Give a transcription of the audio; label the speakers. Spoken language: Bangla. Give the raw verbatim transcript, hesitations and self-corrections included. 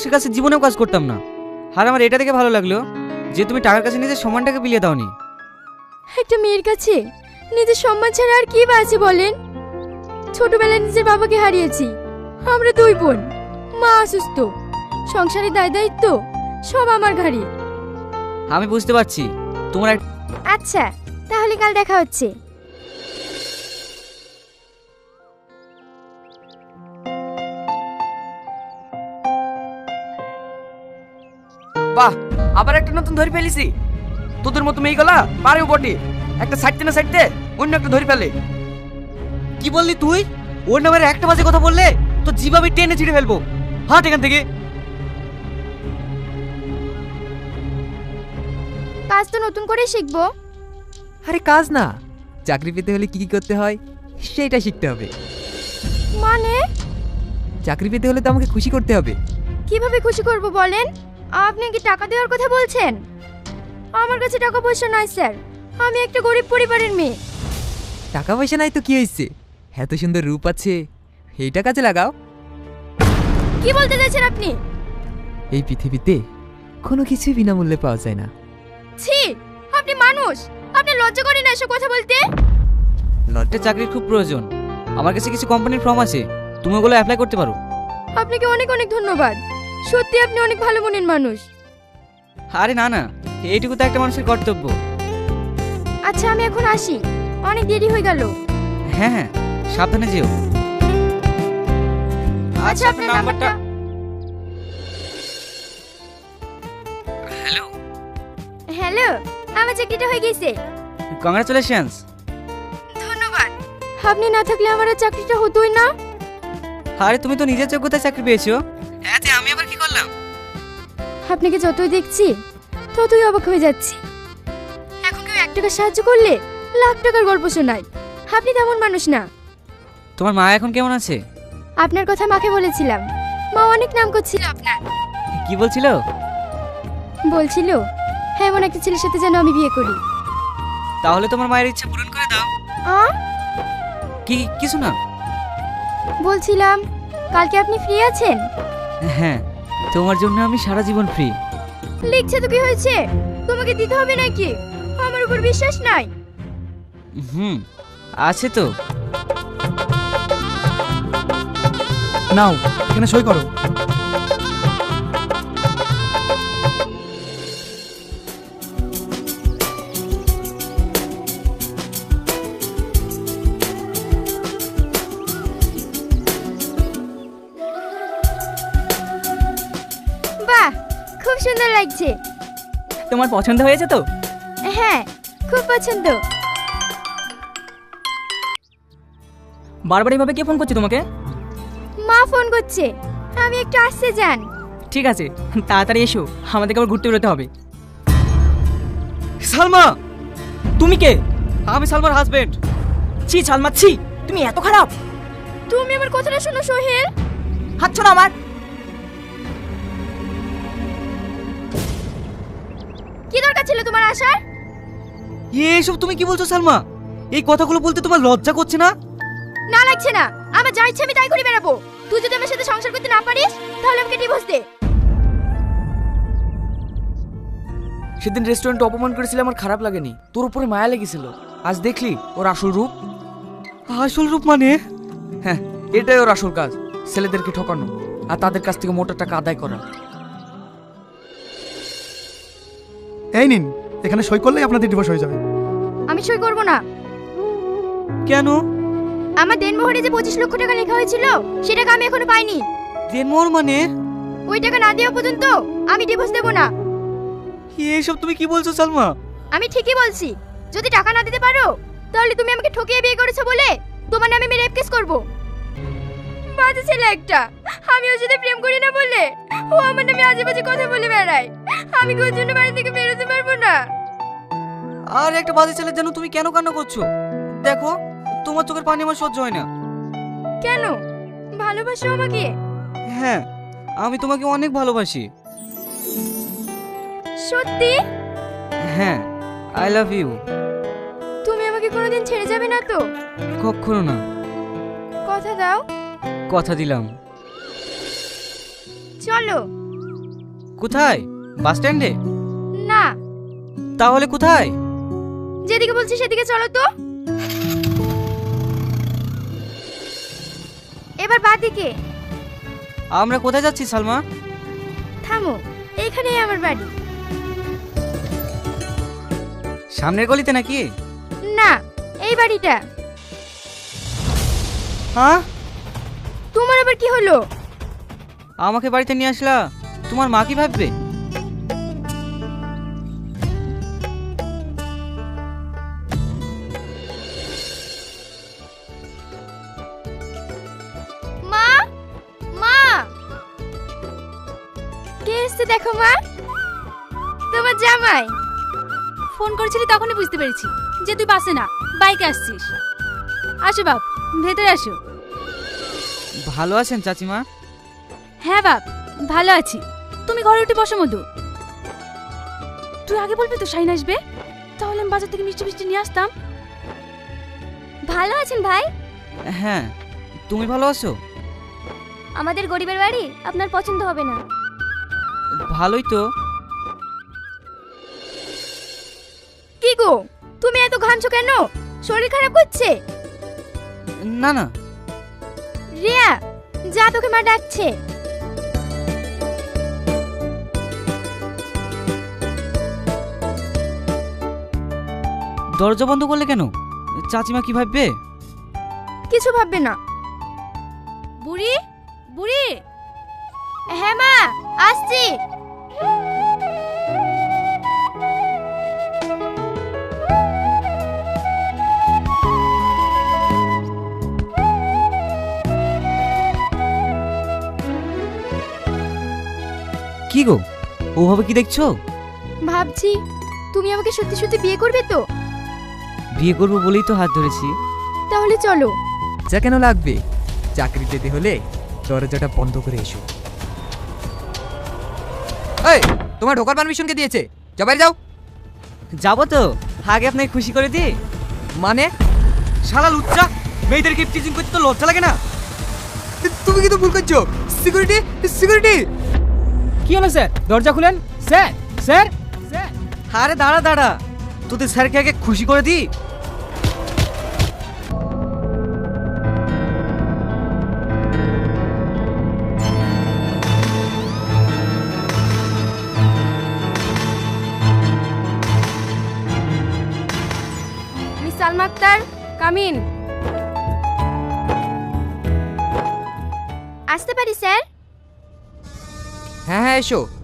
Speaker 1: মানুষের কাছে জীবনেও কাজ করতাম না। আর আমার এটা দেখে ভালো লাগলো যে তুমি টাকার কাছে নিজের সম্মানটাকে বিলিয়ে দাওনি।
Speaker 2: একটা মেয়ের কাছে নিজের সম্মান ছাড়া আর কি বা আছে বলেন? ছোটবেলায় নিজের বাবাকে হারিয়েছি। আমরা দুই বোন, মা অসুস্থ, সংসারের দায় দায়িত্ব সব আমার ঘাড়ে।
Speaker 1: আমি বুঝতে পারছি তোমার এক-
Speaker 2: আচ্ছা, তাহলে কাল দেখা হচ্ছে।
Speaker 3: বাহ, আবার একটা নতুন ধরে ফেলেছি। তোদের মতো মেয়েগুলা পারেও বটে, একটা সাইডতে না সাইডতে অন্য একটা ধরে ফেলে।
Speaker 1: কি বললি তুই? ওর নামের একটা বাজে কথা বললে তো জিভাবে টেনে ছিঁড়ে ফেলবো। হাট এখান থেকে।
Speaker 2: কাজ তো নতুন করে শিখবো।
Speaker 4: আরে কাজ না, চাকরি পেতে হলে কি কি করতে হয় সেইটা শিখতে হবে।
Speaker 2: মানে
Speaker 4: চাকরি পেতে হলে তো আমাকে খুশি করতে হবে।
Speaker 2: কিভাবে খুশি করব বলেন? আপনি কি টাকা দেওয়ার কথা বলছেন? আমার কাছে টাকা পয়সা নাই স্যার, আমি একটা গরিব পরিবারের মেয়ে।
Speaker 4: টাকা পয়সা নাই তো কি হয়েছে, এত সুন্দর রূপ আছে, এইটা কাজে লাগাও।
Speaker 2: কি বলতে চাইছেন আপনি?
Speaker 4: এই পৃথিবীতে কোনো কিছুই বিনামূল্যে পাওয়া যায় না।
Speaker 2: ছি, আপনি মানুষ, আপনি লজ্জা করেন না এসব কথা বলতে?
Speaker 1: লটে চাকরির খুব প্রয়োজন। আমার কাছে কিছু কোম্পানির ফর্ম আছে, তুমি ওগুলো অ্যাপ্লাই করতে পারো।
Speaker 2: আপনাকে অনেক অনেক ধন্যবাদ, সত্যি আপনি অনেক ভালো মনের মানুষ।
Speaker 1: আরে না না, এইটুকু তো একটা মানুষের কর্তব্য।
Speaker 2: আচ্ছা, আমি এখন আসি, অনেক দেরি হয়ে গেল।
Speaker 1: হ্যাঁ হ্যাঁ, সাবধানে যেও।
Speaker 2: আচ্ছা, আপনার নাম্বারটা।
Speaker 1: হ্যালো,
Speaker 2: হ্যালো, আমার চাকরিটা হয়ে গেছে।
Speaker 1: কংগ্রাচুলেশনস।
Speaker 2: ধন্যবাদ। আপনি না থাকলে আমার আর চাকরিটা হতোই না।
Speaker 1: আরে তুমি তো নিজের যোগ্যতায় চাকরি পেয়েছো, এতে আমি আবার কি করলাম?
Speaker 2: আপনাকে যতই দেখছি ততই অবাক হয়ে যাচ্ছি। এখন কেউ এক টাকা সাহায্য করলে লাখ টাকার গল্প শোনায়। আপনি তেমন মানুষ না।
Speaker 1: তোমার মা এখন কেমন আছে?
Speaker 2: আপনার কথা মাকে বলেছিলাম, মা অনেক নাম করছিল আপনার।
Speaker 1: কি বলছিল?
Speaker 2: বলছিল হ্যাঁ, এমন একটা ছেলের সাথে যেন আমি বিয়ে করি।
Speaker 1: তাহলে তোমার মায়ের ইচ্ছা পূরণ করে দাও।
Speaker 2: আ
Speaker 1: কি কিছু না।
Speaker 2: বলছিলাম কালকে আপনি ফ্রি আছেন?
Speaker 1: হ্যাঁ, তোমার জন্য আমি সারা জীবন ফ্রি।
Speaker 2: লিখছে তো কি হয়েছে, তোমাকে দিতে হবে নাকি? আমার উপর বিশ্বাস নাই?
Speaker 1: হুম, আছে তো।
Speaker 5: নাও, এখানে সই করো।
Speaker 2: বাহ, খুব সুন্দর লাগছে।
Speaker 3: তোমার পছন্দ হয়েছে তো?
Speaker 2: হ্যাঁ, খুব পছন্দ।
Speaker 3: বারবার এভাবে কে ফোন করছে তোমাকে?
Speaker 2: মা ফোন করছে, আমি একটু আসতে যান।
Speaker 3: ঠিক আছে, তাড়াতাড়ি এসো, আমাদেরকে আবার ঘুরতে বেরোতে হবে।
Speaker 1: সালমা,
Speaker 3: তুমি কে?
Speaker 1: আমি সালমার হাজবেন্ড।
Speaker 3: ছি সালমা, ছি, তুমি এত খারাপ।
Speaker 2: তুমি আমার কথাটা শোনো সোহেল।
Speaker 3: হাত ছাড়ো আমার।
Speaker 2: কি দরকার ছিল তোমার আসার?
Speaker 1: এসব তুমি কি বলছো সালমা? এই কথাগুলো বলতে তোমার লজ্জা করছে না?
Speaker 2: না লাগছে না, আমার যা ইচ্ছে আমি তাই করে বেড়াবো। তুই যদি আমার সাথে সংসার করতে না পারিস তাহলে আমাকে ডিভোর্স দে।
Speaker 3: সেদিন রেস্টুরেন্টে অপমান করেছিলে, আমার খারাপ লাগেনি, তোর উপরে মায়া লেগেছিল। আজ দেখলি ওর আসল রূপ।
Speaker 1: আসল রূপ মানে?
Speaker 3: হ্যাঁ, এটাই ওর আসল কাজ, ছেলেদেরকে ঠকানো আর তাদের কাছ থেকে মোটা টাকা আদায় করা।
Speaker 5: এই নিন, এখানে সই করলেই আপনাদের ডিভোর্স হয়ে যাবে।
Speaker 2: আমি সই করব না।
Speaker 1: কেন?
Speaker 2: আমার দেনমোহরে যে পঁচিশ লক্ষ টাকা লেখা হয়েছিল সেটা আমি এখনো পাইনি।
Speaker 1: দেনমোহর মানে?
Speaker 2: ওই টাকা না দেওয়া পর্যন্ত আমি ডিভোর্স দেব না।
Speaker 1: এসব তুমি কি বলছো সালমা?
Speaker 2: আমি ঠিকই বলছি, যদি টাকা না দিতে পারো তাহলে তুমি আমাকে ঠকিয়ে বিয়ে করেছো বলে তোমার নামে আমি রেপ কেস করব। বাজে ছেলে একটা, আমি ওর সাথে প্রেম করি না বলে ও আমার নামে আজে বাজে কথা বলে বেড়ায়। আমি কি ওর জন্য বাড়ি থেকে বেরোতে পারবো না?
Speaker 1: আর একটা বাজে ছেলের জন্য তুমি কেন কান্না করছো? দেখো, তোমার চোখের পানি আমার সহ্য হয় না।
Speaker 2: কেন? ভালোবাসো আমাকে?
Speaker 1: হ্যাঁ, আমি তোমাকে অনেক ভালোবাসি।
Speaker 2: সত্যি?
Speaker 1: হ্যাঁ, আই লাভ ইউ।
Speaker 2: তুমি আমাকে কোনোদিন ছেড়ে যাবে না তো?
Speaker 1: কখনো না।
Speaker 2: কথা দাও।
Speaker 1: কথা দিলাম।
Speaker 2: চলো,
Speaker 1: কোথায়? বাস স্ট্যান্ডে?
Speaker 2: না,
Speaker 1: তাহলে কোথায়?
Speaker 2: যেদিকে বলছি সেদিকে চলো তো। এবার বাদিকে।
Speaker 1: আমরা কোথায় যাচ্ছি সালমা?
Speaker 2: থামো, এইখানেই আমার বাড়ি।
Speaker 1: সামনের গলিতে নাকি?
Speaker 2: না, এই বাড়িটা।
Speaker 1: হ্যাঁ,
Speaker 2: তোমার আবার কি হলো?
Speaker 1: আমাকে বাড়িতে নিয়ে আসলা, তোমার মা কি ভাববে?
Speaker 2: মা, মা, কে এসছে দেখো মা। তোমার জামাই।
Speaker 6: ফোন করেছিলি তখনই বুঝতে পেরেছি যে তুই বাসে না, বাইকে আসছিস। আসো বাপ, ভেতরে আসো।
Speaker 1: ভালো আছেন চাচিমা?
Speaker 6: হ্যাঁ বাপ, ভালো আছি। তুমি ঘরে উঠে বসো মধু। তুই আগে বলবি তো শাইন আসবে, তাহলে আমি বাজার থেকে মিষ্টি মিষ্টি নিয়ে আসতাম।
Speaker 2: ভালো আছেন ভাই?
Speaker 1: হ্যাঁ, তুমি ভালো আছো?
Speaker 2: আমাদের গরিবের বাড়ি আপনার পছন্দ হবে না।
Speaker 1: ভালোই তো।
Speaker 2: কি গো, তুমি এত ঘামছো কেন? শরীর খারাপ করছে?
Speaker 1: না না,
Speaker 2: রিয়া, যা, তোকে মা ডাকছে।
Speaker 1: দরজা বন্ধ করলে কেন? চাচিমা কি ভাববে?
Speaker 2: কিছু ভাববে না।
Speaker 6: বুড়ি, বুড়ি,
Speaker 2: হ্যাঁ মা, আসছি।
Speaker 1: কি গো, ওভাবে কি দেখছো?
Speaker 2: ভাবছি তুমি আমাকে সত্যি সত্যি বিয়ে করবে তো?
Speaker 1: বিয়ে করবো বলেই তো হাত ধরেছি।
Speaker 2: তাহলে চলো।
Speaker 4: যা কেন লাগবে? চাকরি পেতে হলে দরজাটা বন্ধ করে এসো। এই, তোমার ঢোকার পারমিশন কে দিয়েছে? যাও বাইরে যাও।
Speaker 1: যাবো তো, আগে আপনাকে খুশি করে দি।
Speaker 4: মানে?
Speaker 1: শালা লুচ্চা, মেয়েদেরকে টিচিং করতে তো লজ্জা লাগে না?
Speaker 4: তুমি কিন্তু ভুল করছো। Security, security.
Speaker 1: কি হলো স্যার? দরজা খুলেন। Sir, sir, sir. আরে দাঁড়া দাঁড়া, তোদের স্যারকে আগে খুশি করে দি।
Speaker 2: Miss Salma Akhtar, come in. আসতে পারি স্যার?
Speaker 4: হ্যাঁ হ্যাঁ এসো।